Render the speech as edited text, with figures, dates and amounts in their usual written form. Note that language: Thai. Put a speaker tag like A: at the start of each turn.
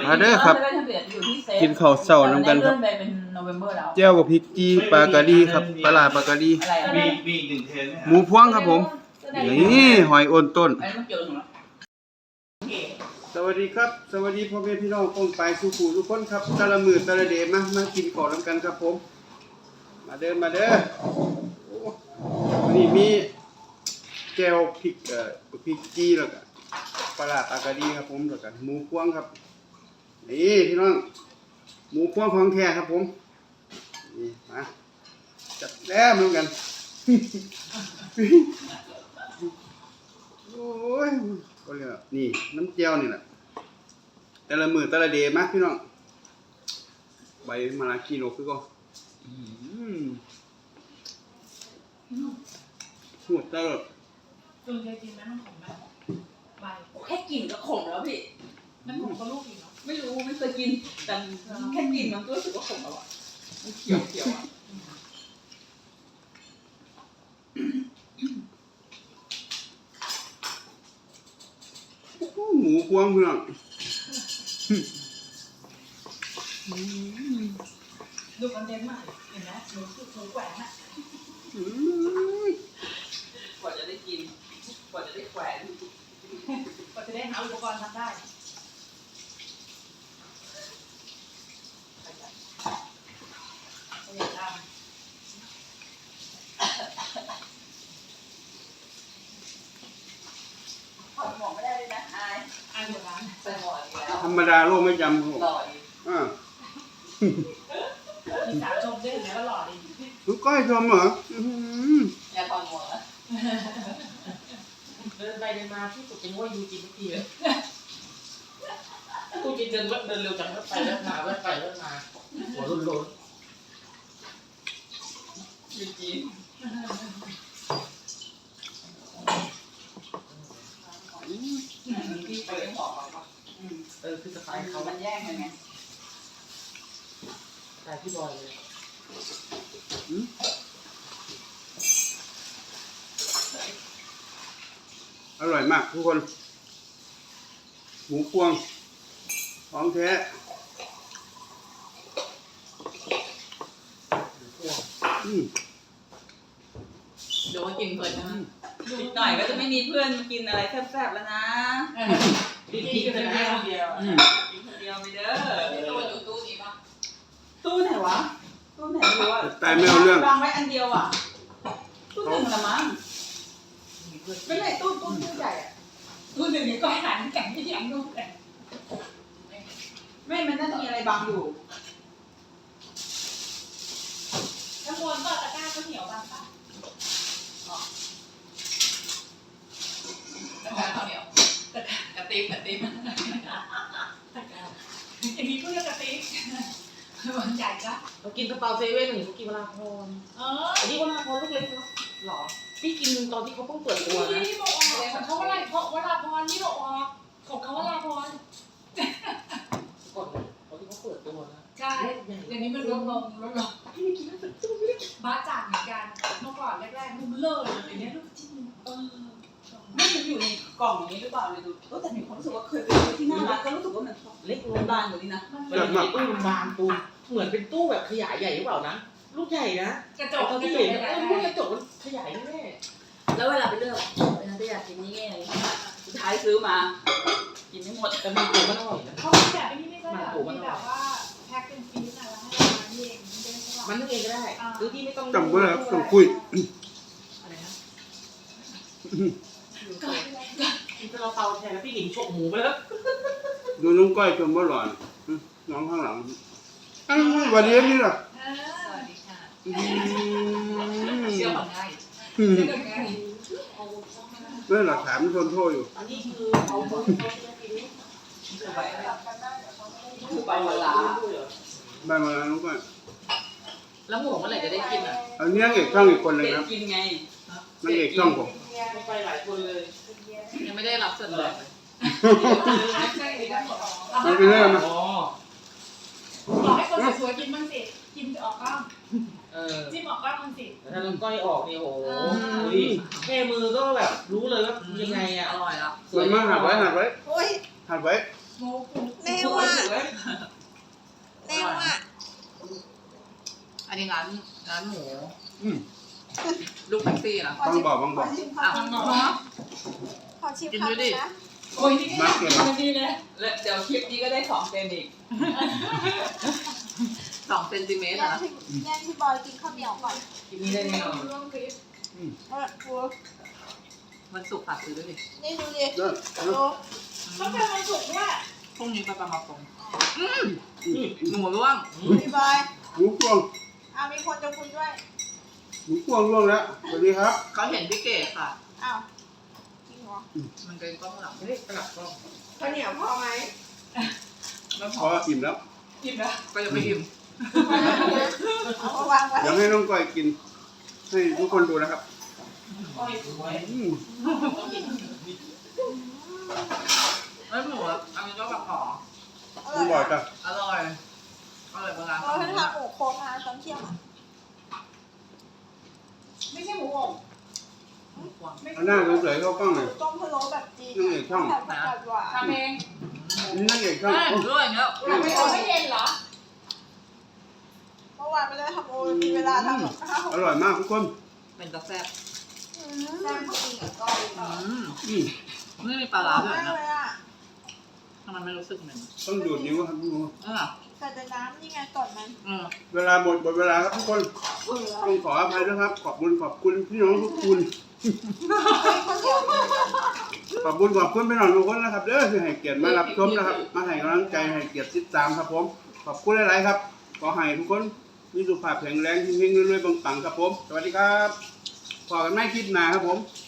A: มาเด้อครับกินข้าวเช้านำกันครับเจ้ากับพริกจี้ปลากะดีครับปลาร้าปลากะดี
B: มีอีกหนึ่งเทน
A: หมูพวงครับผมนี่หอยโอนต้นสวัสดีครับสวัสดีพ่อแม่พี่น้องป้องปลายสู่ผู้ทุกคนครับตะละมื้อตะละเดมากินข้าวนำกันครับผมมาเด้อวันนี้มีแก้วพริกจี้แล้วก็ปลาร้าปลากะดีครับผมแล้วก็หมูพวงครับนี่พี่น้องหมูพวงของแท้ครับผมนี่มาจัดแล้วเหมือนกันโอ้ยก็เลยนี่น้ำเจียวนี่แหละแต่ละมือแต่ละเดย์มากพี่น้องใบมะระกิโลคือก็หมดตลอด
C: จุนเคยกินไหมมันขมไหมใบ
D: แค่กินก็ขมแล้วพี่
C: มันขมก็ลูกอีกเนาะ
D: ไม่รู้ไม่เคยกินแต่แค่กินมันก็รู้สึกว่าขมแล้วอ่ะมันเขียวอ่ะ
A: หมูพวงพี่น้อง
C: ดูคอนเทนต์ใหม่เห็นไหมหมูแหวนอะ
D: กว่าจะได้กินกว่าจะได้แขวน
C: ก็จะได้หาอุปกรณ์ทำได้อยากทำ
D: ถอดหมวกไม่ได้เลยนะ
C: อายหัวร้าน
D: ใส่หมวกอีกแล้ว
A: ธรรมดาโลกไม่จำครับผม
D: หล่อดี
C: มีสาวชมด้วยแล้วก็หล่อดี
A: ลูกก้อยชมเหรอ
D: อย่าถอดหมวก
E: เดินไปเดินมาที่สุดเป็นว่ายูจินทุกทีเลยกูจินเดินเร็วจังแล้วไปแล้วมาหัวโล้น
D: ยูจีนพี่ไปเลี้ยงหมอกเขา
E: คือสไตล์เขา
D: มันแย่งกันไง
E: สไตล์พี่บอยเลย
A: อร่อยมากทุกคนหมูพวงของแท้
D: เดี๋ยวว่ากินเพลินนะอีกหน่อยก็จะไม่มีเพื่อนมากินอะไรแซ่บๆแล้วนะ
E: กินกันแค่คนเดียว
D: กินคนเดียวไม่เด้อ
C: ตู้อยู่ตู้นี้ป่ะ
D: ตู้ไหนวะตู้ไหนไม่รู้อ่ะ
A: แต่ไม่เอาเรื่อง
D: วางไว้อันเดียวอ่ะตู้หนึ่งละมั้งไม่ใช่ตู้ใหญ่อ่ะ
C: ตู้หนึ่งนี่ก็หันแข่งที่แข่งลูกเลย
D: ไม่มันน่าจะมีอะไรบังอยู่
C: น้ำมันก็ตะกร้าก็เหนียวบางปะตะกร้าข้าวเหนียวกระติบอย่างนี้ก็เรียกกระติบมันใหญ่จ้ะ
E: เรากินกระเป๋าเซเว่นหรือกินวราพรอันนี้วราพรลูกเล็กเนาะหรอพี่กินตอนที่เขาเพิ่งเปิดตัวนะ
C: นี่บอกของเขาอะไรเพราะวราพรนี่บอกของเขาวราพร
E: ก่อนตอนที่เขาเปิดตัวนะ
C: ใช่เดี๋ยวนี้มันลดลงพี่ไม่กินแล้วสุดบ้าจ่างเหมือนกันเมื่อก่อนแรกๆมันเลิศเดี๋ยวนี้ลูกชิ้น
D: ไม่มันอยู่ในกล่องนี้หรือเปล่าเลยดูแต่มีความรู้สึกว่าเคยไปที่หน้าร้านก็รู้สึกว่ามันเล็กบานกว่านี้นะ
E: มันเป็นตู้บานตู้เหมือนเป็นตู้แบบขยายใหญ่หรือเปล่านะลูกใหญ่นะ
C: กระจก
E: ที่เห็นลูกกระจกมันขยายแน่
D: แล้วเวลาไปเลือกจะอยากกินนี่ไงสุดท้ายซื้อมากินไม่หมด
E: แต่มันตัวมันอร่อยนะ
C: เขาแบบนี้ไม่ใช่แบบว่าแพ็คเป็นฟีสอะไรให้มาเอง
E: มันนึกเองก็ได้หรือที่ไม่ต้อง
A: จำไว้แล้วต้องคุย
E: อะไรนะเราเตาแทนแล้วพี่หลิงฉกหมูไปแล้ว
A: ดูน้องก้อยชมว่าหล่อนน้องข้างหลังวันนี้นี่หรอ
C: สวัสดีค่ะ
D: เชื่อมันง่าย
A: นั่นหลักฐานมันทนโทษอยู่
E: อันนี้คือเขา
D: คือใบมะลา
A: ใบมะลาน้องก้อย
E: แล้วหมูเมื่อไหร่จะได้กินอ่ะ
A: อันนี้นางเอกช่องอีกคนหนึ่งนะ
D: กินไง
A: นางเอกช่องผม
E: ไปหลายคนเลย
D: ยังไม่ได้รับส่วนเลย
A: มันเป็นเรื่องนะ
C: บอกให้คนสวยๆกินบ้างสิกินออกบ้างจิ้มออกบ้างมันสิ
E: ถ้าน้องก้อยออกนี่โอ้โหแค่มือก็แบบรู้เลยว่ายังไงอ่ะ
D: อร่อยแล้ว
A: สวยมากหัดไว้หัดไว้
C: โอ้ย
A: หัดไว้
C: โมกุ
D: แม่ว่า
E: อันนี้ร้านหมู
A: อืม
E: ลูกแท็กซี่นะ
A: บางบ่อบางบ่อ
D: ขชิม
E: อ่ะ
D: คำหนึ่ง
E: เนาะ
D: ขอชิม
E: กิน
D: คำ
E: ดู
D: ห
E: ดิ
D: นึ่งนะ
C: โอ้ยนี่
A: มาเก็บมา
C: ดีเลย
D: แล้วเดี๋ยวคลิปนี้ก็ได้2 เซนอีก
E: 2 เซนติเมตร
D: แย่ง
E: นะ
D: พี่บอยกินข้าวเหนียวก่อน
E: คลิปนี้ได้แน่นอน
C: ร่วมคลิป
D: ดู
E: วันศุกร์ฝากซื้อด้วยดิ
D: นี่ดูดิ
A: เด้อ
D: ดู
C: ต้องเป็นวันศุกร์ด้วย
E: พรุ่งนี้ไปประมาณหมูร่วง
D: พี่บอย
A: หมูพวง
D: มีคนจะคุยด้วย
A: หมูพวงร่วงแล้วสวัสดีครับ
E: เขาเห็นพี่เก๋ค่ะ
D: อ้าวจริงเหรอ
E: มันเป็นกล้องหลังไม่ได้กลับกล้อง
D: ข้าวเหนียวพอไหม
E: ไม่พ
A: พ
E: อ
A: ออิ่มแล้ว
C: กินนะ
E: ก็จะไม่อิ่ม
D: เอามาวางไว้
A: เดี๋ยวให้น้องก้อยกิน ให้ทุกคนดูนะครับ
C: โอ้ย
A: อืม
E: ไม่หมูอ่ะอันนี้ก็แบบหอม
A: น้องบ่อยจ้ะ
E: อร่อยโบราณ
D: เราให้ทำหมูโค้งมาตอนเที่ยงอ่ะ
C: ไม่ใช่หมูอบ
E: หมูกวาง
C: ไม่
A: เอาหน้าสวยๆเข้ากล้องเลย
D: ต้มพะโล้แบบจีน
A: นี่ไงช่อง
D: แบบผักกาดหวาน
C: ทำเอง
A: นี่นั่นเองช่อง
E: ใช่ด้วยอย่างเงี้ย
C: ไม่เอาไม่เย็นเหรอ
D: เมื่อวานไม่ได้ทำโอมีเวลาทำกับข้าว
A: อร่อยมากทุกคน
E: เป็นกาแฟบ
D: แซ่บจริงกับก้อย
A: อืม
E: ไม่มีปลาร้าด้วย
D: มาก
E: นะ
D: เลยอ่ะ
E: ทำไมไม่รู้สึกเหม็น
A: ต้องดูดนิ้วครับดู
D: ใส่แต่น้ำนี่ไงก่อนมัน
A: เวลาหมดเวลาครับทุกคน
D: เบื่อ
A: ต้องขออภัยด้วยครับ ขอบคุณพี่น้องทุกคน
D: ข้าวเหนียว
A: ขอบคุณพี่น้องทุกคนนะครับเด้อที่ให้เกียรติมารับชมนะครับ มาให้กำลังใจให้เกียรติติดตามครับผม ขอบคุณหลายๆครับ ขอให้ทุกคนมีสุขภาพแข็งแรงเฮงๆรวยๆปังๆครับผม สวัสดีครับพอกันไม่คลิปหน้าครับผม